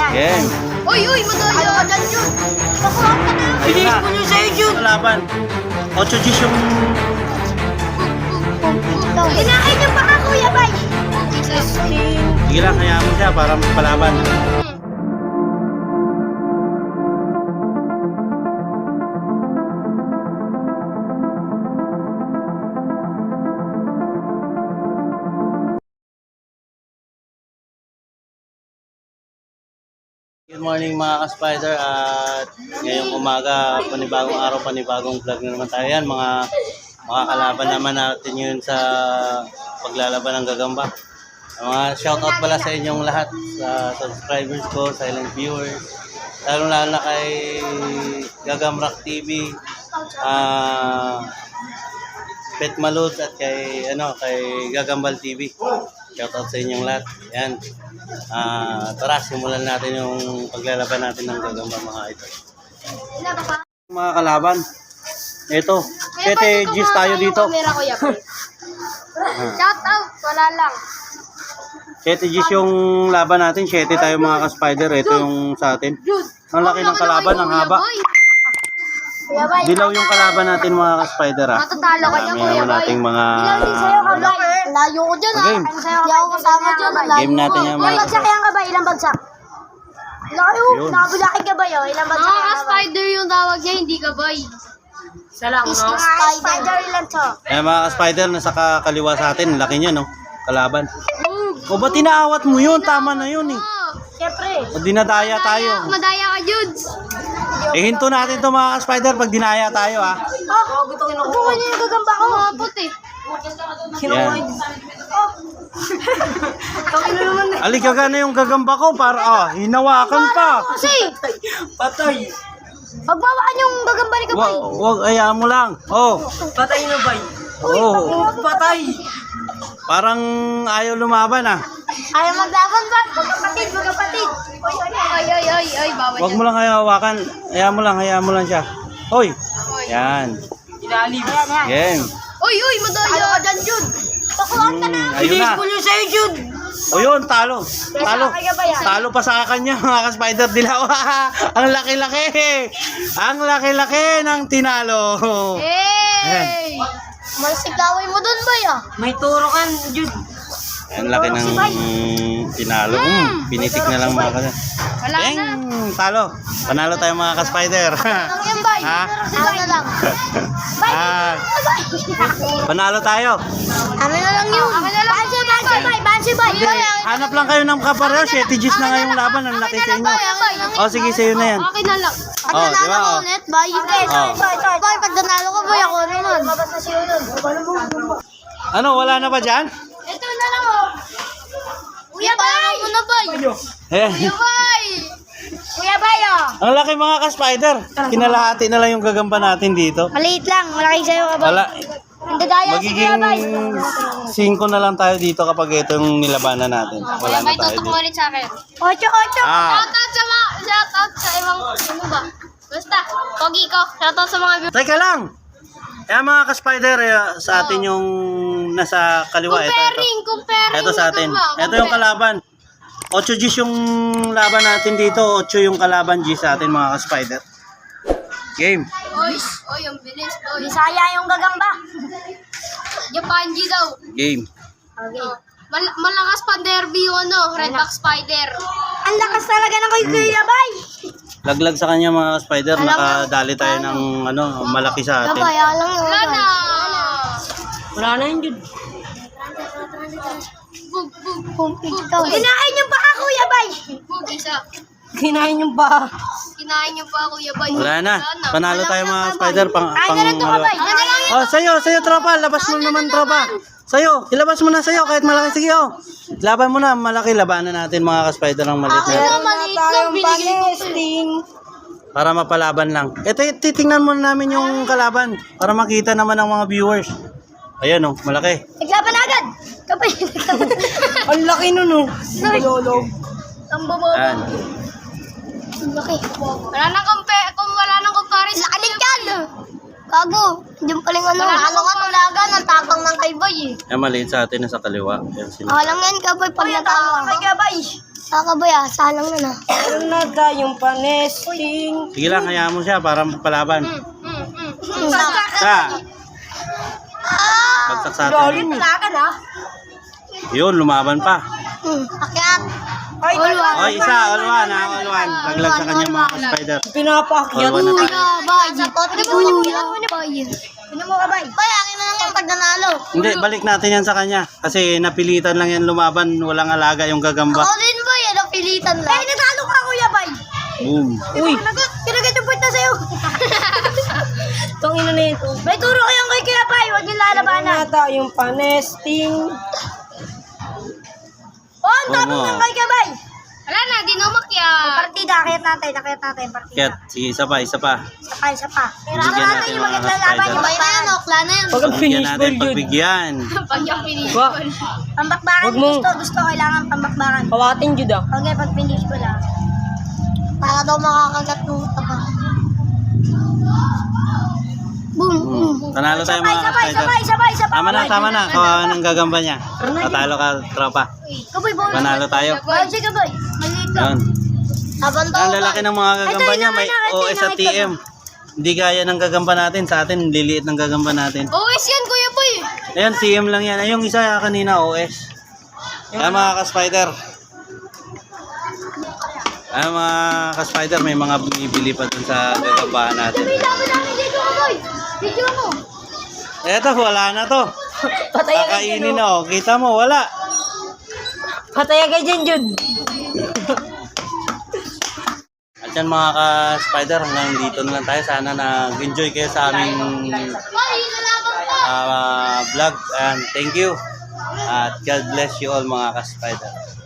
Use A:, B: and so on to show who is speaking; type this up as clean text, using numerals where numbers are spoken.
A: Game.
B: Uy, madaya. Ano ka dyan, Jun? Pakuha ka na.
A: Ayun na.
B: Bilis mo nyo sa'yo, Jun.
A: Laban. 8 Gs yung...
B: Kinain niyo pa ka, Kuya Bay.
A: Sige lang, hayaan mo siya para magpalaban. Good morning mga ka-spider at ngayong umaga, panibagong araw, panibagong vlog na naman tayo yan. Mga kalaban naman natin yun sa paglalaban ng gagamba. Mga shoutout pala sa inyong lahat, sa subscribers ko, silent viewers, lalo na kay Gagamrak TV, Pet Malud at kay Gagambal TV. Shoutout sa inyong lahat. Yan. Tara, simulan natin yung paglalaban natin ng gagamba mga idol. Mga kalaban, ito, 7 Gs tayo dito.
B: Shout out, wala lang.
A: 7 Gs yung laban natin, 7 tayo mga ka-spider. Ito yung sa atin. Ang laki ng kalaban, ang haba.
B: Kuya Bay.
A: Dilaw yung kalaban natin mga ka-spider ha.
B: Matatalo ka niya,
A: Marami
B: Kuya
A: naman
B: Bay.
A: nating mga...
B: Ilang din sa'yo ka, Bay? Layo ko dyan, ha?
A: Game.
B: Hindi ako kasama dyan.
A: Game natin yan,
B: Ilang
A: mga
B: bagsak yan ka, Bay? Ilang bagsak? Layo,
A: Yun.
B: nakabulakin ka, Bay, oh. Ilang bagsak yan ka, Bay?
C: Spider yung tawag niya, hindi ka bay.
B: Isa lang, no? Spider lang to.
A: Mga ka-spider, nasa kaliwa sa atin. Laki niya, no? Kalaban. O ba't inaawat mo yun? Tama na yun, eh.
B: Siyempre.
A: O dinadaya tayo.
C: Madaya ka, Judes.
A: Hinto natin to mga ka-spider pag dinaya tayo, ha.
B: Oh, buko niya yung gagamba ko.
C: Mapot eh.
A: Yan.
B: Kami na naman, eh.
A: Aligaga na yung gagamba ko para, hinawakan pa.
B: Kasi,
A: Patay.
B: pagbawaan yung gagamba ni Kabay.
A: Wag, ayaan mo lang. Oh.
D: Patay na ba?
A: Oh.
D: Patay!
A: Parang ayaw lumaban, ah.
B: Ayaw maglaban ba? Magkapatid.
C: Ay, bawal
A: Wag mo lang hawakan. Hayaan mo lang siya. Hoy. Yan.
D: Ilalim.
A: Game.
C: Uy, madaya.
B: Ano ka dyan, Jun? Pakuhaan ka na.
A: Ayun na.
D: Bilis mo nyo sa'yo, Jude!
A: O yun, talo.
B: Kaya
A: Talo pa sa kanya, mga ka-spider dilaw. Ang laki-laki. Ang laki-laki ng tinalo.
C: Hey!
B: Masigaway mo dun, Bay, ah.
D: May turo kan, Jude.
A: Ang laki ng tinalo. Pinitik na lang mga ka-spider.
C: Wala na.
A: Talo. Panalo tayo mga ka-spider.
B: Ano yan, Bay?
A: Ha?
B: Ano na lang? Bay,
A: Ah,
B: Bay.
A: panalo tayo.
B: Ano na lang yun? Bansi, Bay.
A: Hanap lang kayo ng kapareho. 7 Gs na ngayong laban. Ang laki sa inyo. O sige, sa'yo na yan.
C: Akin na lang.
B: Pag
A: Oh,
B: nanalo
A: di ba,
B: ko
A: oh.
B: ulit, Bay. Bay, pag nanalo ko, Bay, ako naman.
A: Ano, wala na ba dyan?
B: Ito na lang, oh. Kuya Bay! Ano na, Bay?
A: Eh,
C: Bay!
B: Kuya Bay, oh.
A: ang laki mga ka-spider. Kinalahati na lang yung gagamba natin dito.
B: Maliit lang. Malaki sa'yo, Bay.
A: Wala.
B: Hindi daya si Kuya
A: Magiging
B: Bay.
A: 5 na lang tayo dito kapag ito yung nilabanan natin. Wala na
C: Bay,
A: tayo
C: tutok
A: dito.
C: ulit sa akin.
B: 8.
C: Shoutout sa ibang, ano ba? Basta, pogi ko. Shoutout sa mga viewers.
A: Teka lang! Kaya mga ka-spider, sa atin yung nasa kaliwa.
C: Comparing.
A: Ito sa atin.
C: Ano ba?
A: Ito yung kalaban. 8 Gs yung laban natin dito. 8 yung kalaban G sa atin mga ka-spider. Game.
C: Oy, ang bilis. Oy,
B: Bisaya yung gagamba.
C: Japanji daw.
A: Game.
B: Okay.
C: Malakas pa derby yung Redback Spider.
B: Ang lakas talaga ng Kuya Bay.
A: Laglag sa kanya mga ka-spider. Nakadali tayo ng malaki sa atin.
B: Gabay, alam mo.
C: Wala na.
D: Wala na yun, Jude.
C: Bug.
B: Kinain yung baka, Kuya Bay.
C: Bug, isa.
D: Kinain yung ba?
C: Kinain niyo pa, Kuya Bay.
A: Wala na. Panalo tayo mga ka-spider.
B: Ay, ganun to, Kabay.
A: Oh, sa'yo, tropa. Labas mo naman, tropa. Sa'yo, ilabas mo na sa'yo kahit malaki. Sige, oh. Laban mo na, malaki. Labanan natin mga ka-spider ng maliit na.
B: Maliit lang, binigay ko.
A: Para mapalaban lang. Ito, titingnan muna namin yung kalaban. Para makita naman ng mga viewers. Ayan, oh, malaki.
B: Naglaban agad. Kabay.
D: Ang laki nun, oh.
B: Ang bobo.
A: Ayan.
B: Ang laki.
C: Wala nang comparison.
B: Lakanit yan. Gago. Diyan paling ano. Ano nga tulaga ng tapang ng kay Bay eh.
A: Ayan, maliit sa atin na sa kaliwa. Ayan, sino.
B: Alam yan, Kabay, pag natalo. Kay Kabay. Kakaboy salang na na.
D: Meron na tayong panesting.
A: Sige lang, hayaan mo siya para palaban. Sa. Bagsak sa atin.
D: Lalim eh.
A: Yun, lumaban pa.
B: Akyat.
D: Ay,
A: Oy, isa, all one. Naglag sa kanya mga spider.
D: pinapaakyat.
A: All one na tayo.
B: Kuya, bay. Ano mo ka, bay? Bay, akin na lang yung pag nanalo.
A: Hindi, balik natin yan sa kanya. Kasi napilitan lang yan lumaban. Walang alaga yung gagamba.
B: Ako din, bay. Napilitan lang. Eh, natalo ka, kuya, bay.
A: Boom.
D: Uy,
B: Kinagat yung point na sa'yo.
D: tangina na ito.
B: Bay, turo kayong kay kuya, bay. Huwag yung
D: Meron
B: lalabanan.
D: na tayong panesting.
B: Oh, ang
A: Oo
B: tapos
A: nga.
B: ng kay kuya, bay.
C: Wala na, di na umakyat.
B: Partida, akit natin, partida.
A: Ket, sige, isa pa.
B: Isa pa. Pero
A: Bigyan
B: ano
A: natin
B: natin
A: yung
B: yung
A: mga
B: maglalaban
A: spider.
B: yung bay na yan, okla na yan.
D: Pag
A: Pagbigyan
D: finish
A: natin,
D: ball, Jud.
A: pagbigyan.
C: Pag yung finish.
D: Ba,
B: Pambakbakan,
D: Wag mo.
B: gusto, kailangan pambakbakan.
D: kawatin Jud ah.
B: Okay, pag finish ko lang. Para daw makakagat ng taba. Boom, boom.
A: Tanalo tayo mga spider.
B: Sabay.
A: Tama na. Kawawa ng gagamba niya. Tatalo ka, tropa.
B: Kaboy, boy.
A: Panalo tayo.
B: Boy, sige, boy. Maliit lang.
A: Yun.
B: Habang daw,
A: Ang lalaki ng mga gagamba
B: Ito,
A: niya, may
B: ito,
A: OS at TM. Hindi gaya ng gagamba natin. Sa atin, liliit ng gagamba natin.
C: OS yan, Kuya Boy.
A: Ayan, TM lang yan. Ay, yung isa kanina, OS. Ayan mga ka-spider. Ayan mga ka-spider, may mga bumibili pa dun sa gagambahan natin.
B: dami namin dito, boy. Video mo.
A: Eto, wala na to.
D: Patay agad
A: Kakainin na, oh. Kita mo, wala.
D: Patay agad dyan Jud.
A: At yan mga ka-spider, hanggang dito na lang tayo. Sana nag-enjoy kayo sa aming vlog. And thank you. At God bless you all mga ka-spider.